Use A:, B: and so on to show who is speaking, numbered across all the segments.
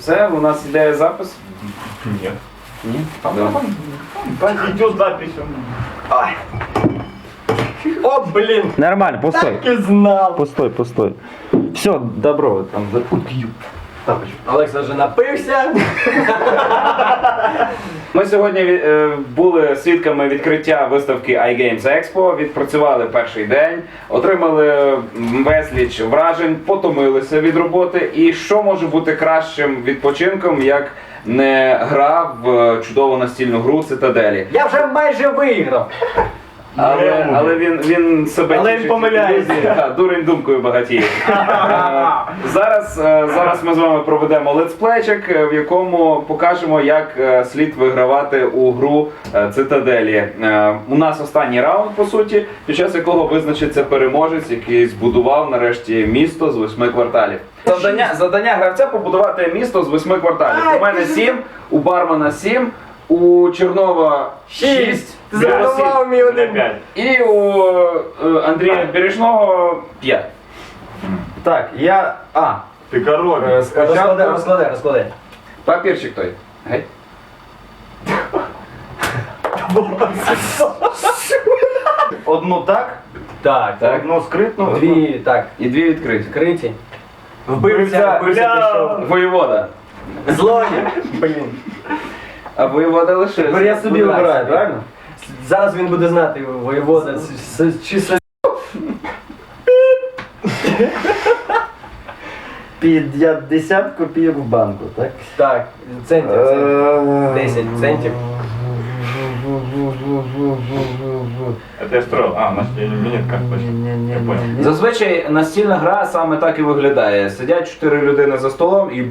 A: Все, у нас іде запис?
B: Нет.
A: Ні?
B: Идет запись.
C: Ай. О, блин!
A: Нормально, постой.
C: Так и знал!
A: Постой. Все, добро, там запутаю.
C: Олекса вже напився.
A: Ми сьогодні були свідками відкриття виставки iGames Expo, відпрацювали перший день, отримали безліч вражень, потомилися від роботи. І що може бути кращим відпочинком, як не гра в чудову настільну гру Цитаделі?
C: Я вже майже виграв.
A: Але він себе
C: Але він
A: тішить
C: помиляється.
A: ілюзією. Так, дурень думкою багатіє. Зараз ми з вами проведемо летсплейчик, в якому покажемо, як слід вигравати у гру Цитаделі. У нас останній раунд, по суті, під час якого визначиться переможець, який збудував нарешті місто з 8 кварталів. Завдання гравця побудувати місто з 8 кварталів. У мене 7, у бармена 7, у Чернова 6.
C: Ти зарахував мій один.
B: 5.
A: І у Андрія Бережного 5.
C: Так, я...
B: Ты король.
C: Розкладай.
A: Папірчик той. Гей.
C: Одну так. Так. Одну скритну. Дві так.
A: І 2 відкриті.
C: Відкриті. Вбивця пішов.
A: Воєвода.
C: Злодій. Блін.
A: А воєвода лише.
C: Тепер я собі вибираю, правильно? Зараз він буде знати, воєвода чи
D: 50 копійок в банку, так?
C: Так, центів. 10 центів.
B: Это я строил. Значит, я не нет как точно. Я понял.
A: Зазвичай настільна гра саме так і виглядає. Сидять 4 людини за столом і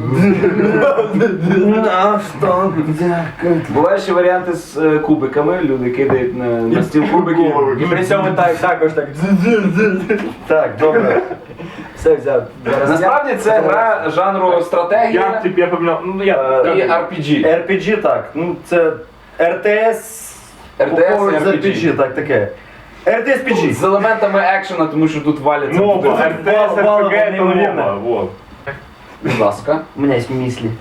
A: бувають ще варіанти з кубиками. Люди кидають на стіл кубики.
C: І при цьому також так.
D: Так, добре.
C: Все взяв.
A: Насправді це гра жанру стратегія
B: Я тебе поменял. Ну я.
A: і RPG.
D: RPG, так. Ну, це RTS.
A: RTS,
D: з RPG, так, таке. RTS PG.
A: З елементами екшена, тому що тут валяться.
B: Нова.
A: буде.
B: РТС,
D: Вала,
B: РПГ, это
D: неймовірно.
B: нова. Вот.
A: Будь ласка.
D: У мене є мислі.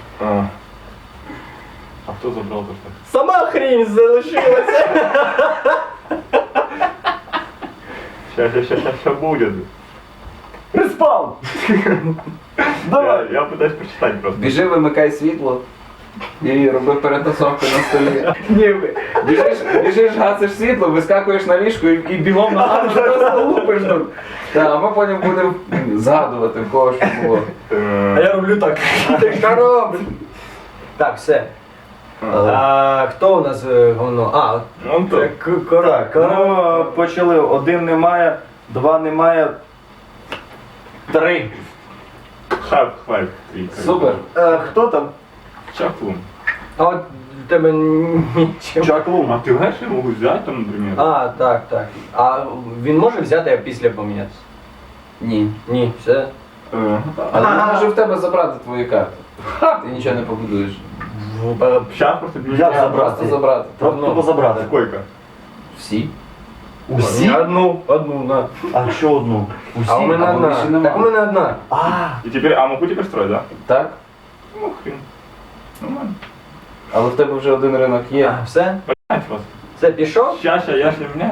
B: А кто забрал то, что?
C: Сама хрінь залишилася.
B: Сейчас будет.
C: Приспав.
B: Я пытаюсь прочитать просто.
A: Біжи, вимикай світло і роби перетасовки на столі.
C: Ні,
A: Біжиш, гасиш світло, вискакуєш на ліжку і бігом на гану просто лупиш тут. А ми потім будемо згадувати, в кого що було.
C: А я роблю так. Ти що робиш? Так, все. Хто у нас говно?
B: Он то.
D: Так, ну, почали. 1 немає, 2 немає. 3.
B: Half-Life 3.
A: Супер.
D: Хто там?
B: Чаклун.
C: А от в тебе нічого.
D: Чаклун.
B: А ты знаешь, я могу взять там, например?
C: Так. А він може взяти, а після помінятися?
A: Ні.
C: Ні, все.
A: Але я можу в тебе забрати твої карти. Ти нічого не побудуєш.
B: Сейчас просто
D: Як
A: Просто
D: забрати?
A: забрати.
D: Просто забрати.
B: Сколько?
A: Всі.
D: Усі?
C: Одну, на.
D: А що одну? Усі?
C: А у мене
A: або більше
C: одна.
A: нема.
C: Так у мене одна.
B: И теперь, а могу теперь строить, да?
A: Так?
B: Ну хрен. Нормально.
A: Але в тебе вже один ринок є.
C: Все?
B: Понять вас.
C: Все, пішов?
B: Сейчас я ж не меняю.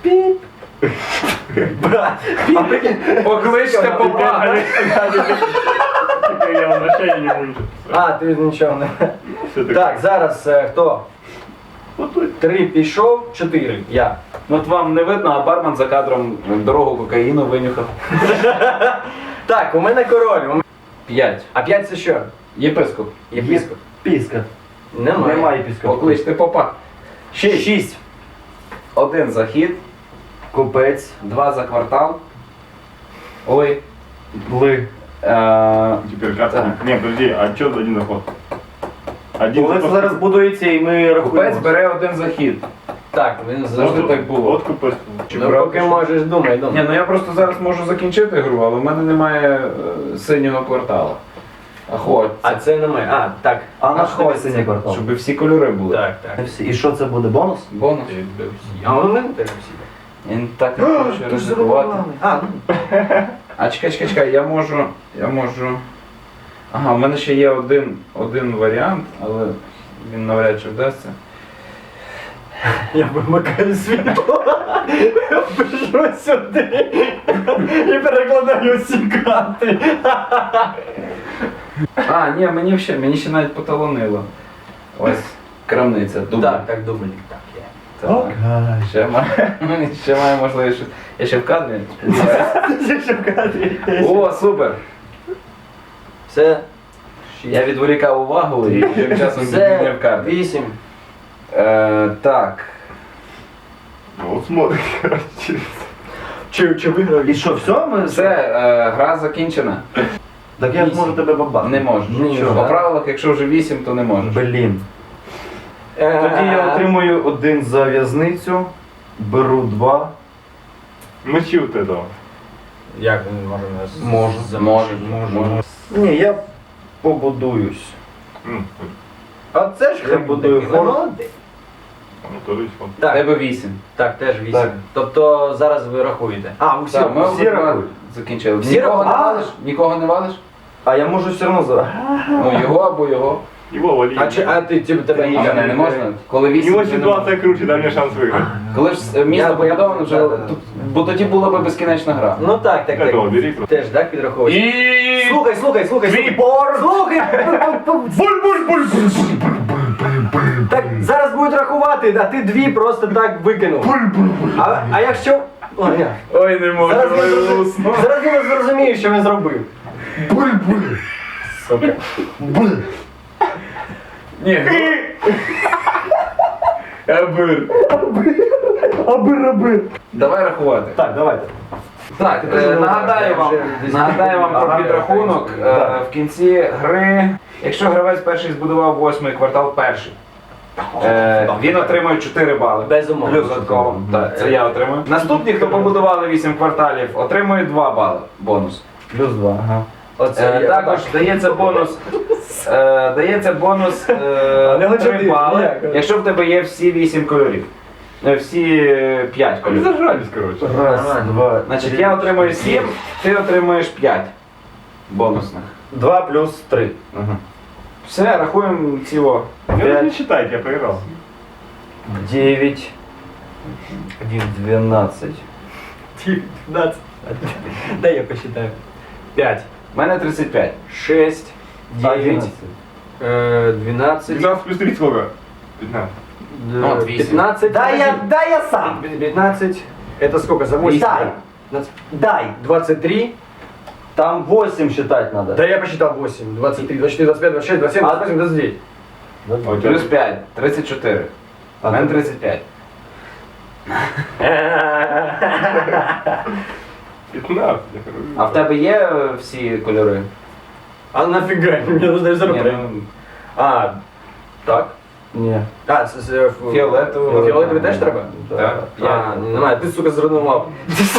A: Покличте попа.
B: Теперь я возвращаю не буду.
C: А, ти нічого не.
B: Все
C: Так, зараз хто?
B: Вот тут.
C: 3 пішов, 4. Я.
A: Ну от вам не видно, а бармен за кадром дорогу кокаїну винюхав.
C: Так, у мене король.
A: 5.
C: А 5 це що?
A: Єпископ.
C: Єпископ.
D: Піска.
C: Немає.
D: Немає піска.
A: Покличте попа.
D: 6.
A: 1 за хід,
D: Купець.
A: 2 за квартал. Ой.
D: Ли.
B: Теперь карта.
A: Так.
B: Не, подожди, а что за один заход? Один
D: Коли це
B: заход.
D: зараз будується і ми
A: Купець
D: рахуємо.
A: бере 1 за хід.
C: Так, він
A: Завжди так було.
B: Вот купец.
C: Ну, поки можеш, думай.
A: Ні, ну я просто зараз можу закінчити гру, але в мене немає синього квартала. Ахо.
C: А це немає. А, так.
D: А наш ховай синій квартал.
A: Щоб всі кольори були.
C: Так, так.
D: І що це буде? Бонус?
A: Бонус.
C: А у мене теж всі.
A: Він так не хоче ризикувати.
C: А, ну.
A: А чекай, я можу Ага, в мене ще є один варіант, але він навряд чи вдасться.
C: Я вимикаю світло, пишу сюди і перекладаю всі карти.
A: А, ні, мені ще навіть поталонило. Ось крамниця, дубль.
C: Так, дубль. Так, є.
A: Так. Ще має можливість. Я ще в кадрі. О, супер!
C: Все.
A: Я відволікав увагу і тим часом
C: Все.
A: відміняв карти.
C: 8.
A: Так.
B: Ну, вот смотри, короче.
C: Чи виграв?
D: І що, все? Ми...
A: Все, гра закінчена.
D: Так я ж можу тебе бабати.
A: Не можеш.
C: Нічого,
A: По
C: да?
A: правилах, якщо вже 8, то не можеш.
D: Блін. Тоді я отримую 1 за в'язницю, беру 2.
B: Мочи вот этого.
C: Як він може нас?
A: Може.
D: Ні, я побудуюсь. А це ж я будую форт.
C: Молодець.
B: Ну, то есть он.
A: В
C: Так,
A: тебе 8.
C: так, теж 8.
D: Так.
C: Тобто зараз ви рахуєте. А, усі.
A: Так, ми
D: всі рахують.
A: закінчили.
C: Всі
A: Нікого не
C: рахують?
A: валиш? Нікого не валиш?
D: А я можу все одно за.
A: Ну, його або його.
B: Его вали.
C: А ти тебе
A: А мене не можна? Коли
B: У
A: 8,
B: него
A: то не
B: ситуация круче, дай мне шанс выиграть.
A: Коли ж місто побудовано вже,
C: Да.
A: бо тоді була би безкінечна гра.
C: Ну так, так,
B: Этого
C: так.
B: бери.
C: Теж, так, підраховуєш?
A: І...
C: Слухай. Слухай. Так, зараз будуть рахувати, а ти 2 просто так викинув. А якщо... О, ні.
A: Ой, не можу.
C: Зараз він зрозуміє, що він зробив. Сука.
A: Ні. Абир.
D: Аби.
A: Давай рахувати.
D: Так, давайте.
A: Так, нагадаю вам про підрахунок. В кінці гри, якщо гравець перший збудував 8-й квартал перший, він отримує 4 бали.
C: Безумовно.
A: Додатково. Так, це я отримую. Наступні, хто побудували 8 кварталів, отримує 2 бали бонус.
D: Плюс 2. Ага.
A: Також дається бонус. Дається бонус 3 бали, якщо в тебе є всі 8 кольорів. Всі 5 кольорів.
B: Зажались, короче.
D: Раз, два.
A: Значить, я отримую 7, ти отримуєш 5 бонусних.
D: 2 плюс 3.
A: Все, рахуємо ціло.
B: Ну, не считайте, я проиграл.
D: 9. 12.
C: 15. Дай я посчитаю. 5.
A: У мене 35.
C: 6. 9.
D: 11.
C: 12.
B: 12 плюс 3 сколько? 15.
A: Ну, от 8.
C: 15.
D: Дай я сам.
C: 15. Это сколько? За 8?
D: Дай. Дай.
C: 23.
D: Там 8 считать надо.
C: Да я посчитал 8. 23, 24, 25, 26, 27, 28, 29.
B: А у тебя
A: Плюс 5, 34. У мене 35.
B: 15, я говорю.
A: А в тебе є всі кольори?
C: А нафига? Мне нужно
A: Ні,
C: заработать.
A: ну,
C: А, так.
D: Ні.
C: А,
A: Фіолетовий.
C: Фіолетовий теж треба?
A: Так.
C: А, немає, ти, сука, зруйнував.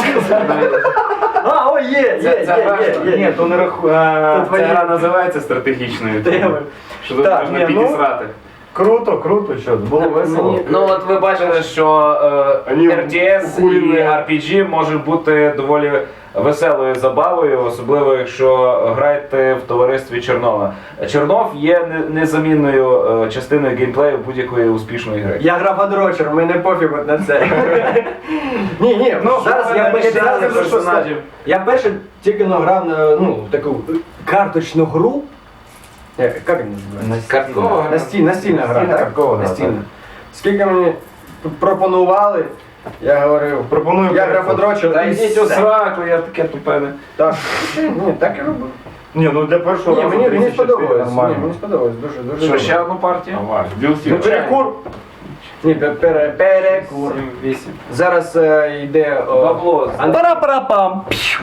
C: А, ой, є.
A: Ні, то не рахує.
C: То
A: Ця
C: твої-
A: гра називається стратегічною.
C: Теми.
A: Що тут
D: Так,
A: можна
D: ні, ну,
A: підісрати.
D: Круто, що було весело.
A: Ну от ви бачили, що
B: Вони
A: RTS і
B: охуєнні.
A: RPG можуть бути доволі веселою забавою, особливо якщо граєте в товаристві Чернова. Чернов є незамінною частиною геймплею будь-якої успішної гри.
C: Я грав адрочер, мене пофіг от на це. Ні,
A: Ну,
C: зараз я
A: перший
C: зараз
A: раз персонажів.
C: Я перше тільки грав на таку карточну гру. Як він називається?
A: Карткова гра.
C: Настільна гра, так?
D: карткова гра,
C: Настільна.
D: так.
C: Скільки мені пропонували, я говорив, я грав адрочер.
A: Та йдіть у сраку, я таке тупене.
C: Так. Ні, так і робив.
B: Не, ну для першого
C: Ні,
B: разу
C: мені
B: 34
C: сподобалось. Ні,
B: нормально.
C: мені сподобалось. Дуже
A: Що,
C: добре.
A: ще одну партію?
B: Давай, DLC.
C: Ну, перекур. Ні, перекур.
A: 8.
C: Зараз йде...
A: Бабло.
C: Пара-пара-пам.